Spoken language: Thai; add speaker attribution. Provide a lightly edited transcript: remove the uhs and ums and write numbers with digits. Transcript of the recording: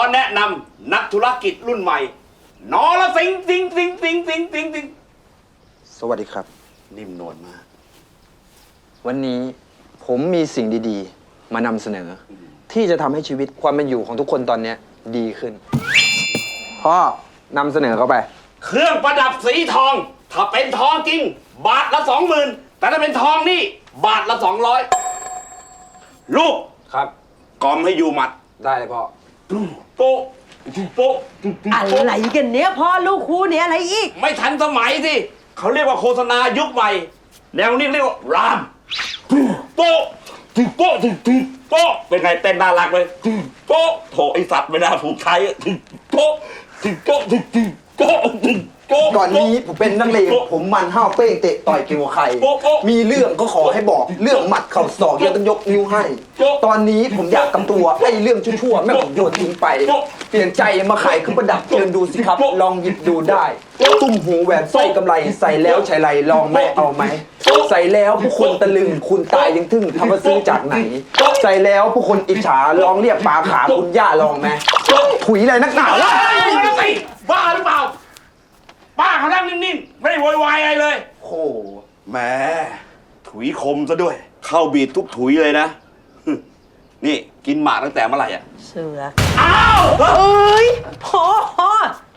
Speaker 1: แนะนำนักธุรกิจรุ่นใหม่นอละสิงสิง
Speaker 2: สวัสดีครับ
Speaker 1: นิ่มนวลมาก
Speaker 2: วันนี้ผมมีสิ่งดีๆมานำเสนอ ที่จะทำให้ชีวิตความเป็นอยู่ของทุกคนตอนนี้ดีขึ้นพ่อนำเสนอเข้าไป
Speaker 1: เครื่องประดับสีทองถ้าเป็นทองจริงบาทละ 20,000แต่ถ้าเป็นทองนี่บาทละ 200ลูก
Speaker 2: ครับ
Speaker 1: กอมให้อยู่หมัด
Speaker 2: ได้เลยพ่อ
Speaker 1: โป๊ะโป๊ะ
Speaker 3: อะไรกันเนี้ยพ่อลูกคู่เนี้ยอะไรอีก
Speaker 1: ไม่ทันสมัยสิเขาเรียกว่าโฆษณายุคใหม่แนวนี้เรียกว่ารามโป๊ะโป๊ะโป๊ะเป็นไงเต้นน่ารักเลยโป๊ะโถไอสัตว์ไม่น่าถูกใช้โป๊ะโป๊ะโป๊ะ
Speaker 2: ก่อนนี้ผมเป็นนักเลงผมมันห้าวเป้งเตะต่อยเกี่ยวกับใครมีเรื่องก็ขอให้บอกเรื่องหมัดเข่าศอกยังต้องยกนิ้วให้ตอนนี้ผมอยากกำตัวไอ้เรื่องชั่วๆแม่ผมโยนทิ้งไปเปลี่ยนใจมาขายเครื่องประดับเชิญดูสิครับลองหยิบดูได้ตุ้มหูแหวนสร้อยกำไรใส่แล้วใช้ไรลองไหมเอาไหมใส่แล้วผู้คนตะลึงคุณตายยังทึ่งทำมาซื้อจากไหนใส่แล้วผู้คนอิจฉาลองเรียกปลาขาคุณย่าลองไหมถุยอะไรนักหนาล่ะ
Speaker 1: บ้าหรือเปล่าป้าเขานั่งนิ่งๆไม่ได้โวยวายอะไรเลย
Speaker 2: โอ้
Speaker 1: แหมถุยคมซะด้วยเข้าบีดทุกถุยเลยนะนี่กินหมากตั้งแต่เมื่อไหร่อ่ะ
Speaker 3: เสือ
Speaker 1: อ้าว
Speaker 3: เอ้ยพ่อ